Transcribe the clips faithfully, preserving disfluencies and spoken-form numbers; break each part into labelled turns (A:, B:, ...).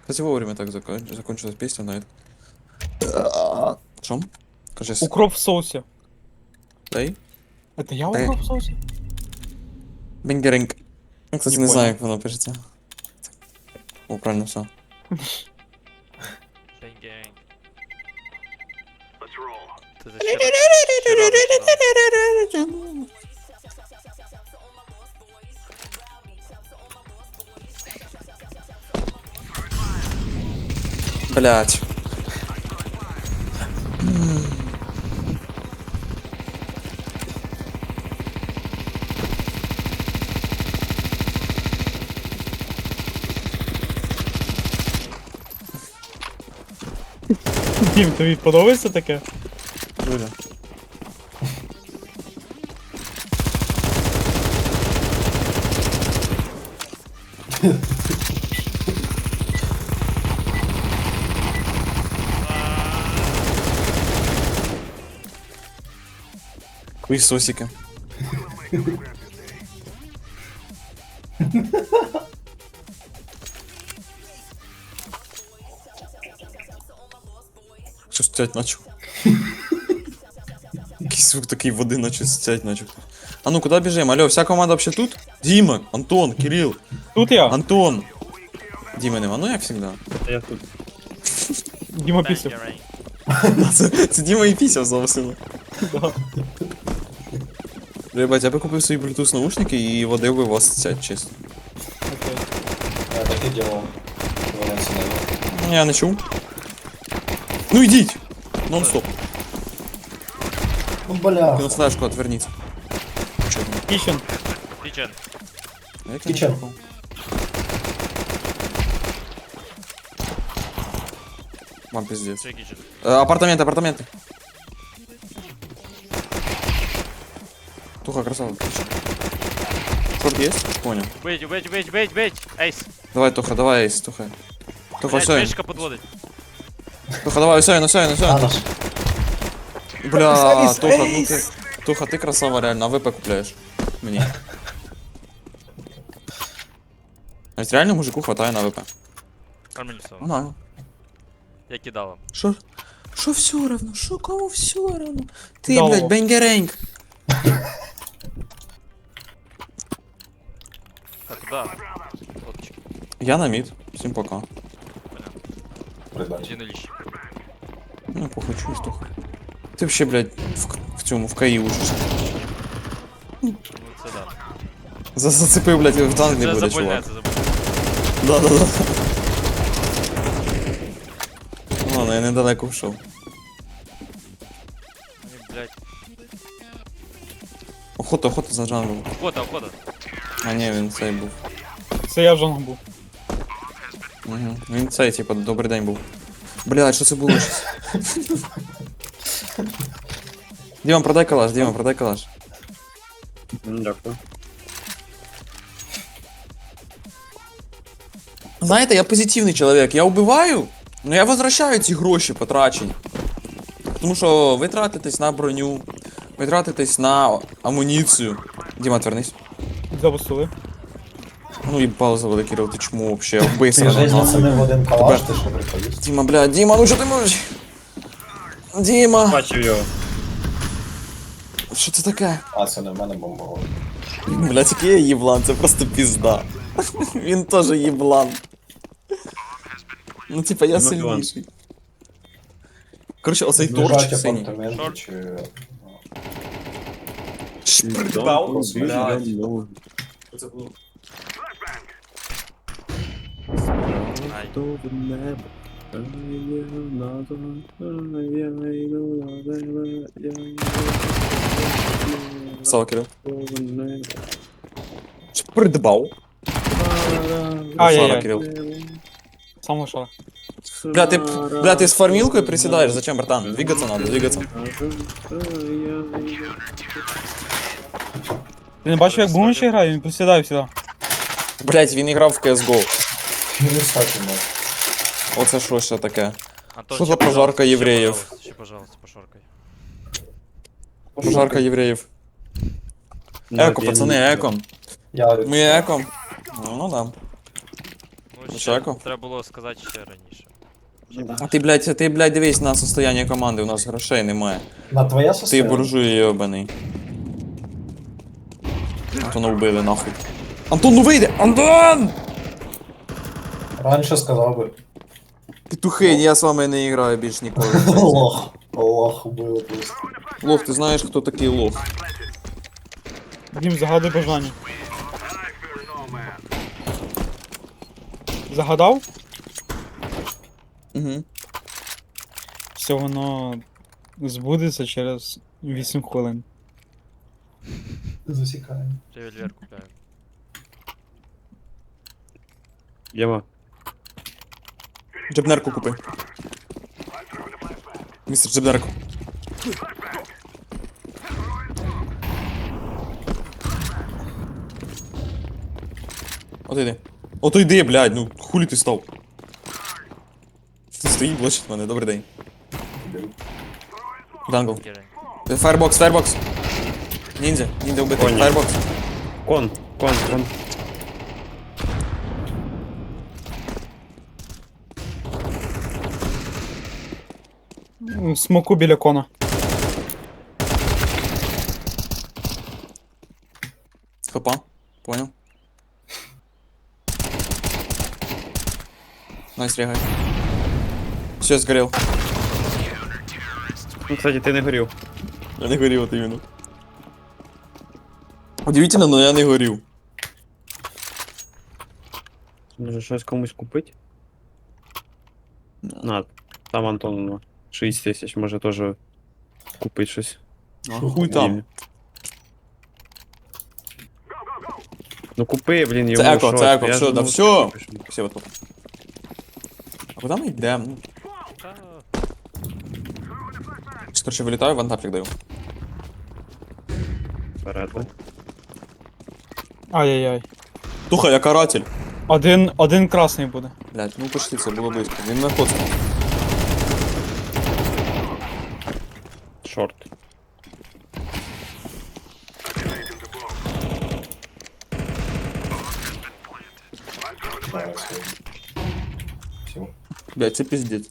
A: Кстати, вовремя так закон... закончилась песня на это. Шо? Кажись.
B: Укроп в соусе.
A: Дай.
B: Это я
A: Дай.
B: укроп в соусе?
A: Бенгеринг. Ну, кстати,
B: Не
A: не, знаю,
B: понял.
A: как оно пишется. О, правильно все.
C: Бенгеринг. Ты за щиро- щиро рассчитал.
A: Блять.
B: Дім, тобі подобається таке?
A: Жуля. Хуесосики. Що стять начал? Якийсь звук такий води наче стять начал. А ну куда бежим? Алло, вся команда вообще тут? Дима, Антон, Кирилл,
B: Тут я.
A: Антон. Дима нема, ну як всегда.
D: Я тут.
B: Діма пісів.
C: Бенгеринг.
A: Це, це Діма і пісяв зовсім.
B: Да.
A: Ребят, я би купив свої Bluetooth наушники і водив би вас цять, чесно.
B: Окей.
E: Я так і делал. Валяться на нього.
A: Ну, я не чув. Ну йдіть! Нон-стоп.
E: Ну бля.
A: Кинув флешку, отверніться. Чого?
B: Кічен.
C: Кичен.
A: А як я не
E: Кічен.
A: чухав? Вам пиздец.
C: Це кичен.
A: Э, апартаменты, апартаменты. Туха, красава. Шорт есть? Понял.
C: Бить, бить, бить, бить, бить. Ейс.
A: Давай, Туха, давай, Эйс, Туха. Туха,
C: Блядь,
A: все.
C: мишка подводить.
A: Туха, давай, все, ну все, ну
E: А
A: все.
E: наш.
A: Бля,
E: Эйс,
A: Туха, ну
E: Эйс.
A: ты... Туха, ты красава реально, а ВП купляешь. Мне. А ведь реально мужику хватает на ВП.
C: Нормально.
A: Ну,
C: Я кидала.
A: шо? Шо все равно? Шо кому все равно? Ты,
B: Да.
A: блядь, бенгеренг.
C: Так, куда? Фоточки.
A: Я на мид. Всем пока.
E: Придать.
C: Один Ильич.
A: Ну, похуй, чуешь, Туха. Ты вообще, блядь, в, к- в цьому, в КАИ учишься.
C: Ну це да.
A: За зацепив, блядь, в танк не
C: Це
A: буде,
C: забольне,
A: чувак.
C: це забольне.
A: Да, да, да. Ну, ладно, я недалеко вшов.
C: Вони, блядь.
A: Охота, охота за джанглом.
C: Охота, охота.
A: А ні, він цей був.
B: Це я в жонг був.
A: Угу. Він цей, типа, добрий день був. Блядь, що це було щось? Діма, продай калаш, Діма, продай калаш.
D: Ну, дякую.
A: Знаєте, я позитивний чоловік. Я вбиваю, але я возвращаю ці гроші потрачені. Тому що ви тратитесь на броню, ви тратитесь на амуніцію. Діма, отвернись.
B: Запустили.
A: Ну і пауза великий, Кирил, ти чому вообще вбий
E: Ти
A: сразу
E: жизнь
A: нахуй.
E: оцінив один калаш, ти що приходиш?
A: Діма, бля, Діма, ну що ти можеш? Діма,
D: Бачив його.
A: що це таке?
E: А, це не в мене бомбово.
A: Блядь, який я їблан, це просто пізда. Він теж їблан. Ну, типа, я
D: Ну, Іван.
A: сильніший. Короче, оцей
E: Лежать
A: торчик синій.
E: апартаменти
C: Шорт.
E: чи...
A: Шпрдбау.
E: Блядь.
C: Ай.
A: Сава, Кирил. Шпрдбау. Сара,
B: Ай-яй-яй.
A: Кирил.
B: Сам лошара.
A: Бля, ты, бля, ты с фармилкой приседаешь? Зачем, братан? Двигаться надо, двигаться.
B: Ти не бачив, як Бумичі грає? Він присідає всегда.
A: Блять, він грав в кес го.
E: Не стати можу.
A: Оце що ще таке?
C: Антон,
A: Що
C: ще,
A: за пожарка
C: пожалуйста, ще,
A: євреїв?
C: пожалуйста, Ще, пожалуйста, пошоркай.
A: Пожарка євреїв. Еко, пацани, еко.
E: Я...
A: Ми еко. Ну, ну да.
C: Ну, ще
A: Чеко?
C: треба було сказати ще раніше.
A: А ти, блядь, ти, блядь, дивись на состояние команди, у нас грошей немає.
E: На твоя
A: Ти
E: состояние?
A: буржуй йобаний. Антона вбили нахуй. Антон, ну вийди! Антон!
E: Раньше сказал бы.
A: Петухи, я з вами не граю більш ніколи.
E: Лох. Лох было просто.
A: Лох, ти знаєш, хто такий лох?
B: Дім, загадуй бажання. Загадав?
A: Угу.
B: Все воно збудеться через вісім хвилин.
E: Засекаем.
C: Револьвер купляю.
D: Єма.
A: Джебнерку купи. Містер Джебнерку. От йди. Ото йди, блядь, ну хулі ти став. Ти стоїть, блочить мене, добрий день. Дангл.
C: Кирень.
A: Фаербокс, фаербокс. Ніндзя, ніндзя вбитий.
D: Коні.
A: Фаербокс.
D: Кон, кон, кон.
B: М, Смоку біля кона.
A: Хопа. Понял. Найс, регай. Все, сгорел.
D: Ну, кстати, ти не горів.
A: Я не горів, от іменно. Удивительно, но я не горів.
D: Може щось комусь купити? На, там Антон ну, шість тисяч, може теж купити щось.
A: А хуй там.
D: Їм. Ну купи, блін, йому
A: Це еко,
D: щось,
A: це еко,
D: я
A: все,
D: ж
A: да
D: думав,
A: все.
D: купиш.
A: Все, вот тут. А куда мы идем? Ну,
C: Та,
A: короче, вылетаю, вантапчик даю.
D: Вперед, да?
B: Ай-яй-яй.
A: Туха, я каратель.
B: Один, один красний буде.
A: Блять, ну почти, це було близько. Він на коцку.
D: Шорт.
E: Да, все. Все.
A: Блять, це пиздец.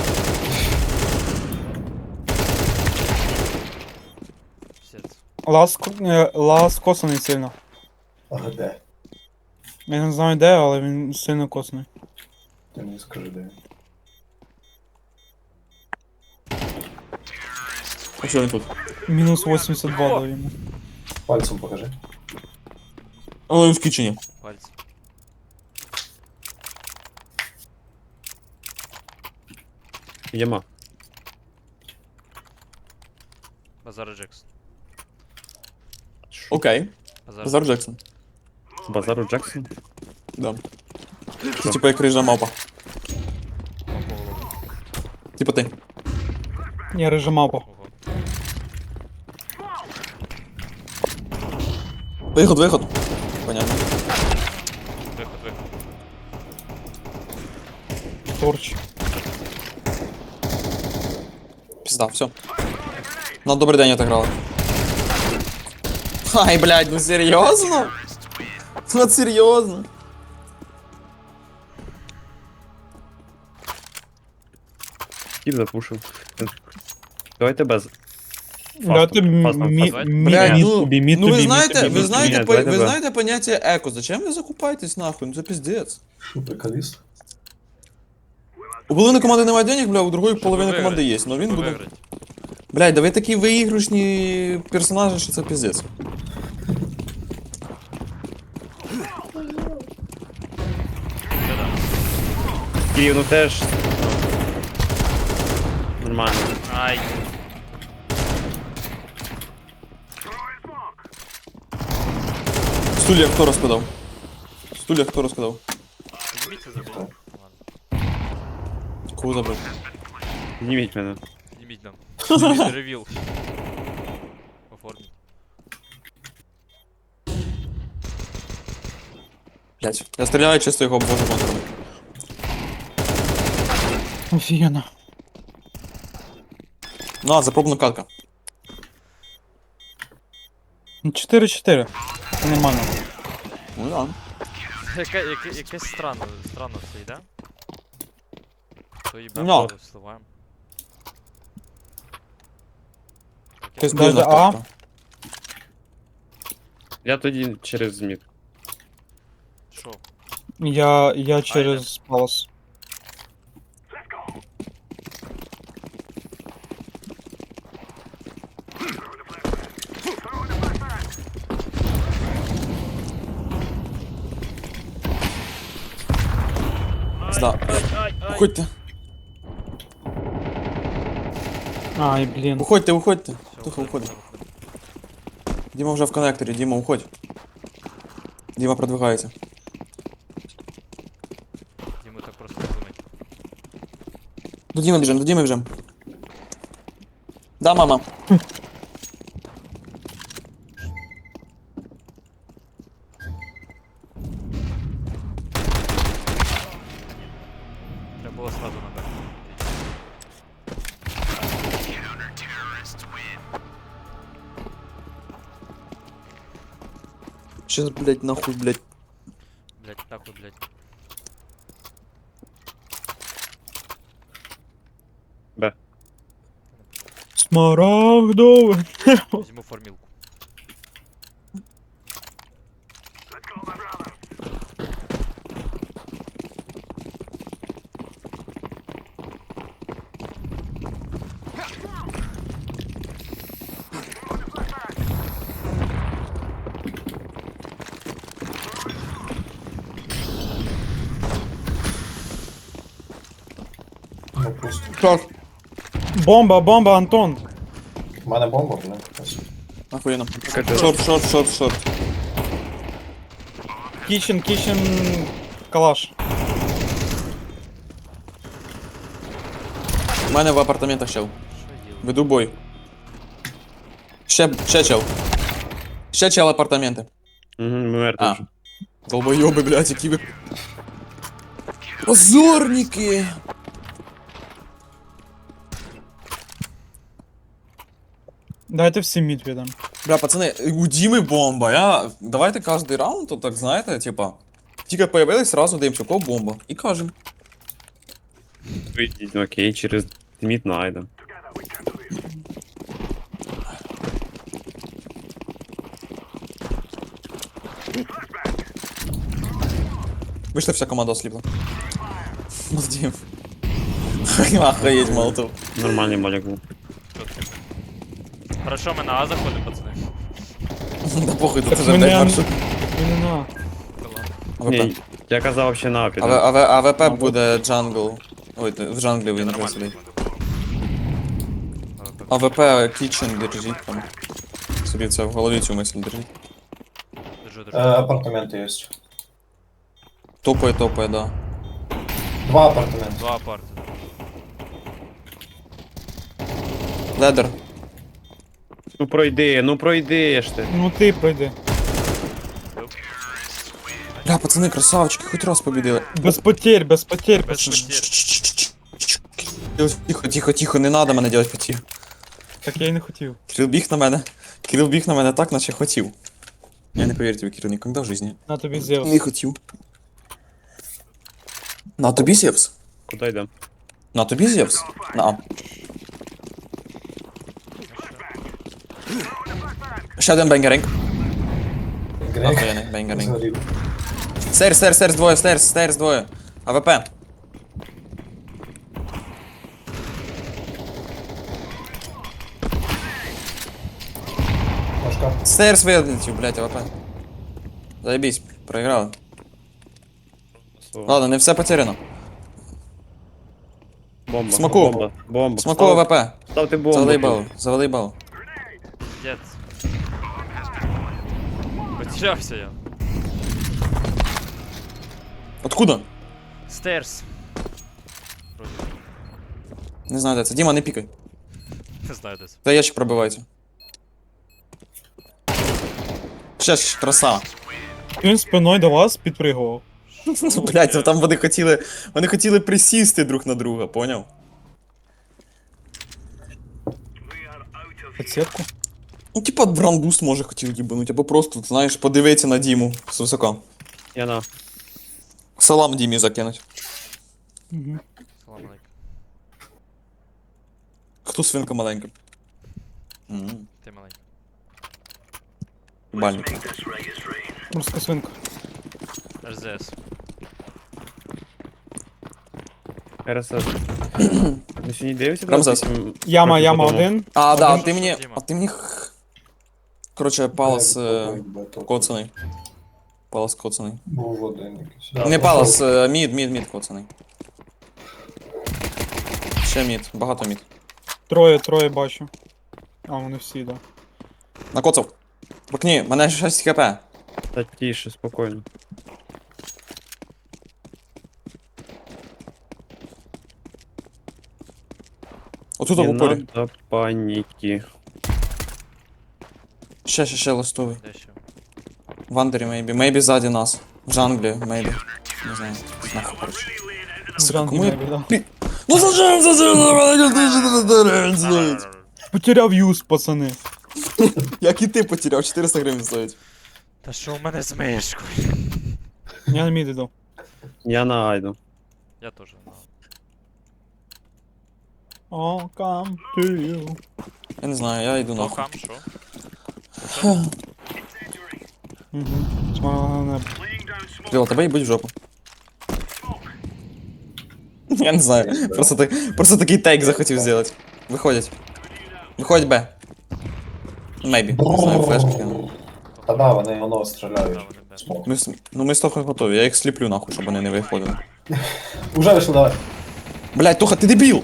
C: пісець.
B: Лас, е, лас косаний сильно.
E: А де?
B: Я не знаю де, але він сильно косаний.
E: Ти мені скажи, де.
A: А що він тут?
B: Мінус вісімдесят два дав йому.
E: Пальцем покажи.
A: А він в кічені.
C: Пальці.
D: Єма.
C: Базар Джексон.
A: Окей.
C: Базар.
A: Базар Джексон.
D: Базару Джексон.
A: Да. Це типа як рижа мапа. Типа ти.
B: Я режим мапа.
C: Ого.
A: Виход, виход. Понятно.
C: Виход, виход.
B: Торч.
A: Пизда, все. На добрий день отыграла. Ай, блядь, ну серьезно? Вот серьезно?
D: Кіп запушив. Давайте без.
B: Давайте
D: Фастом,
B: мі-
D: фастом,
B: мі-
D: фастом.
B: мі-
A: Блядь,
B: мід
A: ну,
B: тобі, мід
A: ну ви
B: тобі, мід
A: знаєте,
B: тобі,
A: ви
B: мід
A: знаєте,
D: тобі.
A: по-
D: Давайте
A: ви
D: без.
A: знаєте поняття еко. Зачем ви закупаєтесь нахуй? Ну це пиздец.
E: Що, приколіст?
A: У половини команди немає денег, бля, у другої
C: Щоб
A: половини
C: виграти.
A: команди є, но він
C: Щоб
A: буде.
C: виграти.
A: Блядь, да ви такі виіграшні персонажі, що це пиздец.
D: Київ, ну теж. Нормально.
C: Ай.
A: Стулья хто розкидав? Стулья хто розкидав?
C: Підніміться забив. Ладно.
A: Кого забрав?
D: Зніміть мене.
C: Підніміть нам. Підніміть ревіл. Оформіть.
A: Блять, я стріляю, чисто його обвожу контром.
B: Офігенно.
A: На, запробна катка.
B: чотири чотири. Нормально.
A: Ну да.
C: Яке, яке, якесь странно, странно все йде. То їбе,
A: Ну.
C: то сливаємо.
A: Якась
B: Даже
A: дивна
B: А?
A: кнопка.
D: Я тоді через мід.
C: Що?
B: Я, я через палас.
A: Зда. Уходьте,
B: Ай, блін.
A: уходьте, уходьте.
C: Всё,
A: Тихо,
C: виходимо,
A: уходь.
C: виходимо.
A: Діма вже в коннекторі, Діма, уходь. Діма продвигається.
C: Діму так просто не думать.
A: До Діми біжим, до Діми біжим. Да, мама.
C: Треба було сразу на Б.
A: Щас, блядь, нахуй, блядь.
C: Блять, нахуй, блять.
D: Б.
B: Смарагдове.
C: Візьму формілку.
E: Ну пусто.
A: Шорт.
B: Бомба, бомба, Антон.
E: У мене бомба, блин. Ось.
A: Охуєнно.
D: Кажи.
A: Шорт, шорт, шорт, шорт.
B: Кічен, кічен, калаш.
A: У мене в апартаментах чел.
C: Що їв?
A: Веду бой. Ще, ще чел. Ще чел апартаменти.
D: Угу, мертвий
A: А.
D: вже.
A: Долбойоби, блядь, які ви... Позорники!
B: Дайте всім мід віддам.
A: Бля, пацани, у Діми бомба. Я... Давайте кожний раунд, то так, знаєте, типа... Тільки появились, сразу даємо кого бомба. І кажем.
D: Вийдіть, окей, через мід найдем.
A: Вийшла вся команда осліпла. Молодім. Охуєть, молотов.
D: Нормальний малік був.
C: Хорошо, ми на А заходимо, пацани.
A: Да похуй, тут
B: Так
A: уже
B: мене-
A: блядь, маршрут.
B: Не на.
C: Та ладно.
A: АВП.
D: Ні, я казав ще на апі.
A: АВ, АВ, АВП буде джангл. Ой, в джанглі він не сидить. АВП кічен держіть там. Собі це в голові цю мисль держіть.
C: Держу,
E: Е,
C: держу.
E: апартаменти є.
A: Топає, топає, да.
E: Два апартаменти.
C: Два апарти.
A: Ледер.
D: Ну пройди, ну пройди ж ти.
B: Ну ти пройди.
A: Бля, пацани, красавчики, хоч раз побідили.
B: Без потерь, без потерь,
C: Без
B: пацани.
C: потерь.
A: Тихо, тихо, тихо, не надо мене делать потів.
B: Так я й не хотів.
A: Кирил біг на мене. Кирил біг на мене так, наче хотів. Я не повірю тобі, Кирил, ніколи в житті.
B: На тобі Зевс.
A: Не хотів. На тобі Зевс.
D: Куди йдем?
A: На тобі Зевс. На А. Ще один бенгеринг.
E: Грек.
A: Охуєнний бенгеринг.
E: Згорів.
A: Стерс, стерс, стерс двоє, стерс, стерс двоє. АВП.
E: Машка.
A: Стерс вилетів, блядь, АВП. Заебись, проіграли. Ладно, не все потеряно.
D: Бомба.
A: Смоку.
D: Бомба. Бомба.
A: Смоку
D: Став-
A: АВП.
D: Ставте бомбу.
A: Завали бал, завали бал.
C: Дед. Потерявся я.
A: Откуда?
C: Стерс. Вроде.
A: Не знаю, де це. Діма, не пікай.
C: Не знаю де це.
A: Та ящик пробивається. Ще ж, краса.
B: Він спиною до вас підпригував.
A: Блять, ну там вони хотіли. Вони хотіли присісти друг на друга, поняв?
B: Підсітку.
A: Ну, типа брандбуст може хотів їбануть, або просто, знаєш, подивитися на Діму з висока.
D: Я на.
A: Салам Дімі закинуть.
B: Угу.
C: Салам алейкум.
A: Хто свинка маленька? М,
C: Ти маленький.
A: Бальник.
B: Морська свинка.
C: ар зет ес.
D: РСС. Ми сьогодні дивимося?
A: Рамзес.
B: Яма,
D: Трохи
B: яма
D: подумав.
B: один.
A: А, да,
B: Один.
A: а ти мені.
C: Діма.
A: А ти мені. х- Коротше, палас е, коцаний. Палас коцаний.
E: Був один якийсь.
A: Не палас, е, мід, мід, мід коцаний. Ще мід, багато мід.
B: Троє, троє бачу. А, вони всі, да.
A: Накоцав. Торкні, мене шість хп.
D: Та тише, спокійно.
A: Отут
D: Не
A: в упорі.
D: надо паніки.
A: Ще, ще, ще листовий.
C: Де ще?
A: В андері, мейбі. Мейбі ззаді нас. В джанглі, мейбі. Не знаю. Нахуй, коротше.
B: Зранку
A: кому я-
B: небі, да.
A: Ну зачем, зачем?
B: Потеряв юз, пацани.
A: Як і ти потеряв, чотириста гривень стоїть.
C: Та що у мене з мишкою?
B: Я на мід іду.
D: Я на Айду.
C: Я теж. ну.
B: I'll come to you.
A: Я не знаю, я йду
C: Ну,
A: нахуй.
C: хам, що?
B: Угу. Смагала небо.
A: Крила, тебе їбуть в жопу. Я не знаю. Просто, так, просто такий тейк захотів зробити. Виходять. Виходять Б. Мейбі. Не знаю, флешки кину.
E: Та да, вони воно
C: Да,
E: стріляють.
C: вони де.
E: Смок.
A: Ми, с- ну ми з Тохою готові, я їх сліплю нахуй, щоб вони не виходили.
E: Уже вийшли, давай.
A: Блять, Тоха, ти дебіл!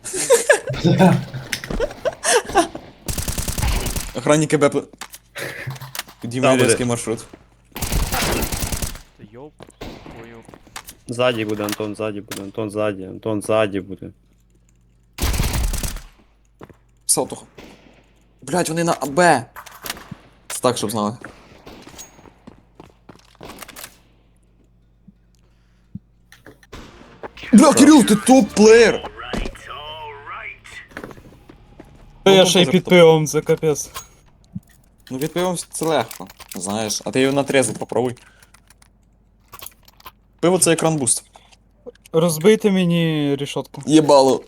A: Охранники Б... пл- Діма
D: Да, буде.
A: різкий маршрут.
C: Ти йоп. Твою.
D: Ззаді буде, Антон, ззаді буде, Антон, ззаді, Антон, ззаді буде.
A: Писав Тоха. Блять, вони на Б. Це так, щоб знали. Бля, Кирил, ти топ-плеєр!
B: Я ще й під пивом, це капець.
A: Ну від пивом це легко, знаєш, а ти його на трезву попробуй. Пиво це екран буст.
B: Розбийте мені рішотку.
A: Єбало.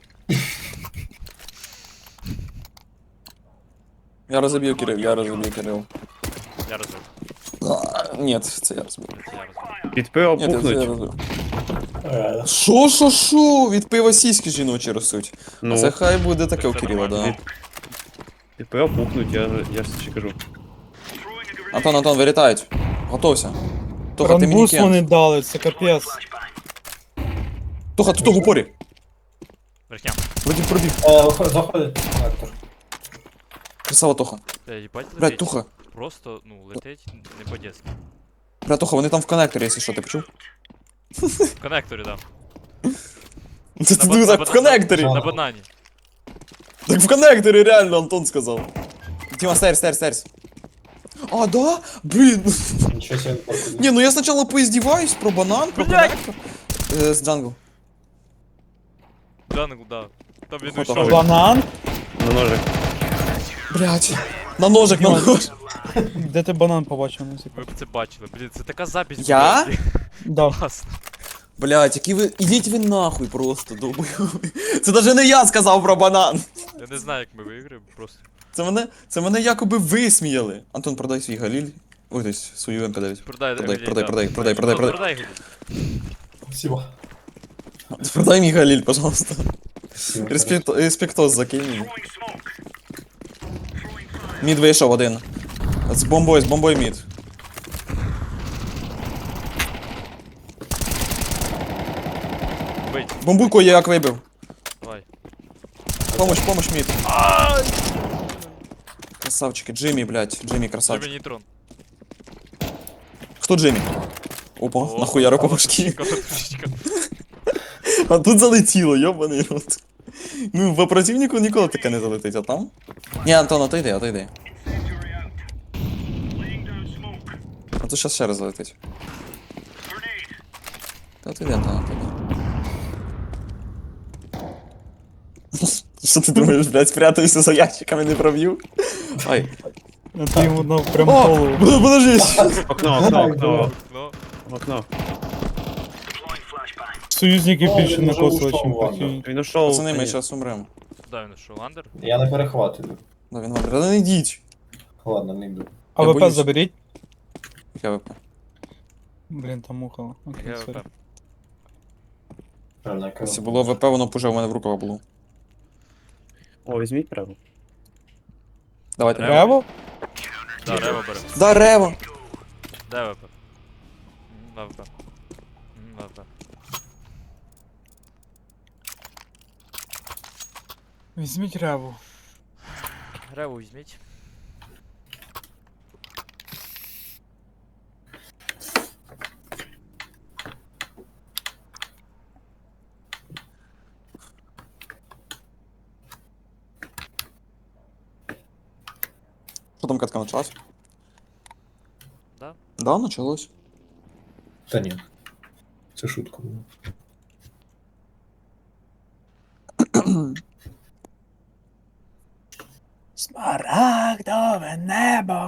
A: Я розоб'ю Кирил, я розоб'ю Кирил.
C: Я розумію.
A: А, ні, це я розбив.
C: Це я розумію.
D: Під пиво
A: Ні, це я
D: пухнуть.
A: розбив.
E: Е,
A: Шо, шо, шо? Від пива сіськи жіночі ростуть.
D: Ну,
A: Це хай буде таке у Кирила, да.
D: від, під пиво пухнуть, я, я ж ще кажу.
A: Антон, Антон, вилітають. Готовся. Тоха, ти мені
B: Ранбус
A: кент.
B: вони дали, це капець.
A: Тоха, тут в упорі.
C: Верхням.
A: Вроді пробіг.
E: е, виходь- Заходить коннектор.
A: Красава Тоха.
C: Та їбать
A: Блядь,
C: летить.
A: Тоха.
C: Просто, ну, летить не по-детски.
A: Бля, Тоха, вони там в коннекторі, якщо що, ти почув?
C: В коннекторі, да.
A: Це ти
C: ба-
A: диви,
C: на
A: так
C: ба-
A: в коннекторі.
C: На банані.
A: Так в коннекторі реально Антон сказав. Тіма, стерсь, стерсь, стерсь. А, да? Блін.
E: Нічого себе не проходить.
A: Не, ну я сначала поиздеваюсь про банан, про
C: Блядь.
A: коннектор. Э, с джангл.
C: Джангл, да. Там він
A: Фото
C: йшов.
A: говорить.
B: Банан?
D: На ножик.
A: Блять. На ножик, на нож.
B: Де ти банан побачив? Ну,
C: Ви б це бачили. Блін, це така запись.
A: Я?
C: блядь.
B: Да.
C: Класно.
A: Блять, які ви. Ідіть ви нахуй просто, долбойові. Це даже не я сказав про банан.
C: Я не знаю, як ми виграємо, просто.
A: Це мене, це мене якоби висміяли. Антон, продай свій галіль. Ой, десь свою ем ка дев'ять.
C: Продай,
A: Продай,
C: Емілій,
A: продай,
C: да.
A: продай, продай, продай, продай.
C: Продай, Гілі.
E: Спасибо.
A: Продай мій галіль, пожалуйста.
E: Спасибо.
A: Респект, респектос закинь мені. Мід вийшов один. З бомбою, з бомбою мід.
C: Бить,
A: Бомбуйку я як вибив.
C: давай.
A: Помощь, помощь, мид. Красавчики, Джимми, блядь, Джимми
C: Дай
A: красавчик.
C: мені трон.
A: Кто Джимми? Опа,
C: О,
A: нахуя по башки.
C: Каватушечка.
A: А тут залетіло, йобаний рот. Ну, по противнику ніколи таке не залетить, а там? Ні, Антон, отойди, отойди. А тут щас ще раз залетить. Та отойди, Антон, отойди. Що ти думаєш, блядь, спрятаюся за ящиками, не проб'ю? Ай.
B: А ти йому дав прям
A: О,
B: голову.
A: подожди.
D: Окно, окно, окно,
C: Ну,
D: окно.
B: Союзники
E: О,
B: більше
E: він вже
B: накосили,
E: ушов,
B: чим
E: ладно.
B: прикинь.
D: Він ушов.
A: Пацани, ми
D: Ні.
A: зараз умремо.
C: Да, він що, андер?
E: Я не перехватую.
A: Да, він вандер. Да не йдіть.
E: Ладно, не йду.
B: А
A: Я
B: ВП
A: боюсь.
B: заберіть.
A: Я ВП.
B: Блін, там мухало. Окей,
C: Я
B: сорі.
C: ВП.
E: Правильно, я кажу.
A: Якщо було ВП, воно б уже у мене в руках було.
D: О, візьміть прямо.
A: Давайте.
C: Рево?
B: Рево?
C: Да, Рево бере.
A: Да, Рево!
C: Де ВП? На ВП. М, На ВП.
B: Візьміть реву.
C: Рево візьміть.
A: Що там катка началась?
C: Да?
A: Да, началось.
E: Та ні. Це шутка була.
B: Смарагдове небо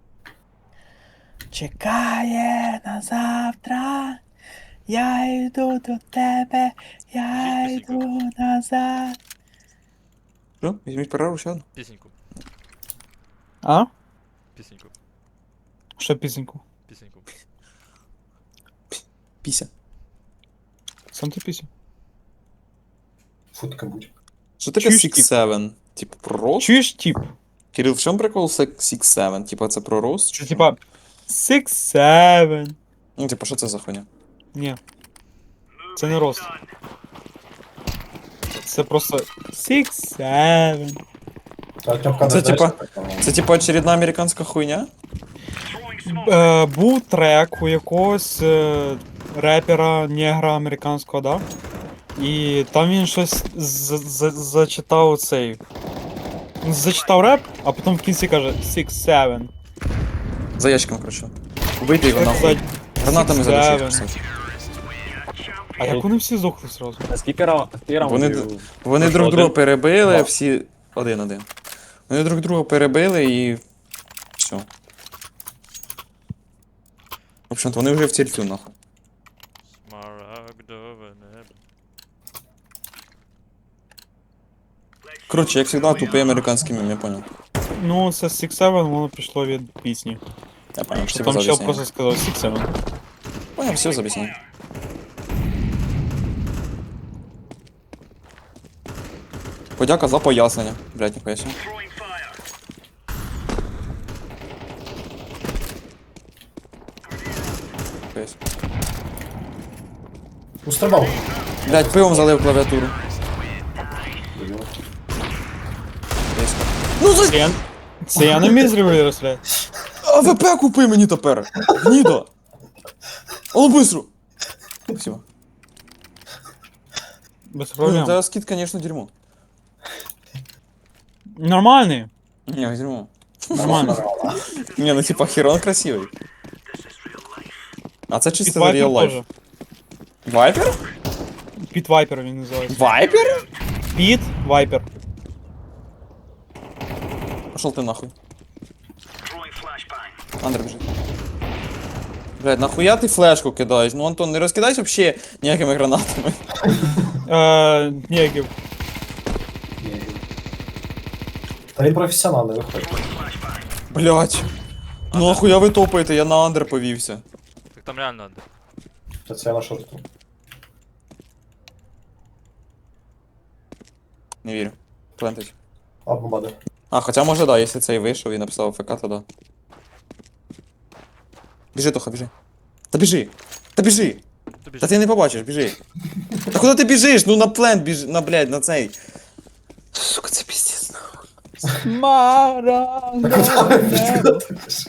B: чекає на завтра. Я йду до тебе, я
C: Біжіть,
B: йду назад.
A: Що? Візьміть перерву ще одну.
C: Пісеньку.
B: А?
C: Пісеньку.
B: Що пісеньку?
C: Пісеньку.
A: Піся.
B: Сам ти пісень.
E: Футка будь.
A: Що таке
B: Чуєш,
A: сікс
B: тип?
A: севен? Типу про рост?
B: Чуєш тип?
A: Кирил, в чому прикол сікс севен? Типа це про рост?
B: Це
A: чи що?
B: типа six seven.
A: Ну, типа, що це за хуйня?
B: Ні. Це не рост. Це просто six seven.
E: Та Артемка
A: Це
E: не
A: типа-
E: знаєш, що таке?
A: Це типа очередна американська хуйня?
B: Е, був трек у якогось е, репера негра американського, да? І там він щось з- з- зачитав цей. Зачитав реп, а потім в кінці каже six seven.
A: За ящиком, коротше. Убийте його
B: Як
A: нахуй.
B: сказати,
A: Гранатами
B: six
A: задушить,
B: seven.
A: кстати.
B: А як вони всі здохли сразу?
D: А скільки раунд? Скільки
A: Вони
D: раундів?
A: Вони
D: Ну,
A: друг
D: що,
A: друга
D: один?
A: перебили,
E: Два.
A: всі. Один-один. Вони друг друга перебили і. Все. В общем-то, вони вже в тільтю, нахуй.
C: Смарагдове небо.
A: Коротше, як завжди, тупий американський мем, я понял.
B: Ну, це six seven, воно пішло від пісні.
A: Я понял, що
B: Там
A: за
B: ще
A: об'яснення.
B: просто сказав six seven.
A: Понял, все за об'яснення. Подяка за пояснення. Блять, ніхуя себе. Ніхуя себе.
E: Устрибав.
A: Блять, пивом залив клавіатуру. Ну за...
B: Це я, це я не міг зробити розстріляти.
A: АВП купи мені тепер! Гнідо! А ну быстро! Спасибо.
B: Без
A: Блин,
B: проблем.
A: да скид, конечно, дерьмо.
B: Нормальний.
A: Не, дерьмо.
B: Нормально.
A: Не, ну типа Херон красивый. А це
B: Під
A: чисто
B: Вайпер
A: real life.
B: теж.
A: Вайпер?
B: Під Вайпер він називається.
A: Вайпер?
B: Під Вайпер.
A: Пошел ты нахуй. Андер бежит. Блядь, нахуя ты флешку кидаешь? Ну, Антон, не розкидайся вообще ніякими гранатами.
B: Е, Нєгів.
E: Та він професіонал, не виходить.
A: Блядь. Ну нахуя ви топаєте, я на андер повівся.
C: Так там реально андер.
E: Та це я на шорту.
A: Не вірю. Плентить.
E: А, бомбади.
A: А, хотя може да, якщо цей вийшов і написав ФК, то да. Біжи, Тоха, біжи. Та біжи! Та біжи!
C: Тобі
A: Та
C: ж
A: ти не побачиш, біжи. Та куди ти біжиш? Ну на плент біжи, на, блядь, на цей. Сука, це піздець, нахуй.
B: Смарагдове.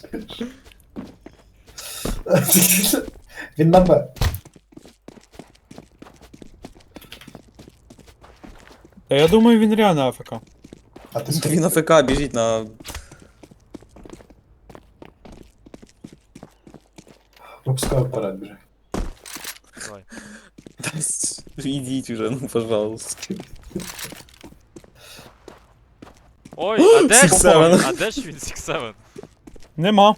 E: Він на Б.
B: Та я думаю, він реально АФК.
E: А ти
A: Та він на ФК біжить на...
E: Випускаю вперед, біжи.
C: давай.
A: Та с- Ідіть уже, ну пожалуйста.
C: Ой, а де ж
A: Six seven.
C: А де ж він six seven?
B: Нема.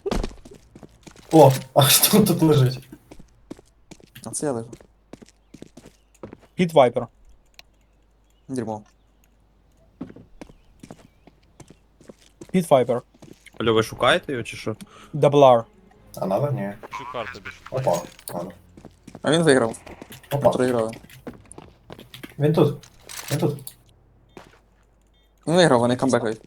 E: О, а хто тут лежить?
A: А це я лежу.
B: Під Вайпер.
A: Дерьмо.
B: Під Вайпер.
D: Алло, ви шукаєте його чи що?
B: Даблар.
E: А надо? Ні.
C: Цю карту більше.
E: Опа. Надо.
A: А він виграв.
E: Опа.
A: Проіграли.
E: Він тут. Він тут.
A: Він виграв, вони камбекають.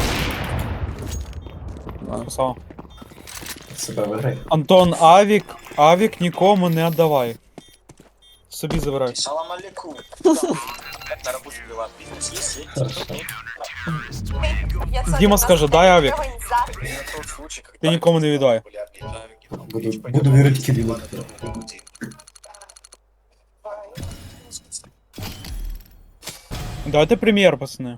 A: А,
B: Красава.
E: Себе виграй.
B: Антон, авік, авік нікому не віддавай. Собі забирай.
F: Салам алейкум. На работе дела. Бизнес есть?
E: Хорошо.
B: Діма скаже, дай авік.
F: Это тот случай, когда...
B: Ти нікому не віддай.
E: Буду, буду вірити Кирилу.
B: Давайте прем'єр, пацани.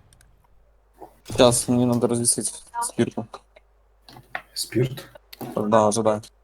A: Сейчас, мені треба розвісити спірку.
E: Спірт.
A: Да, ожидай.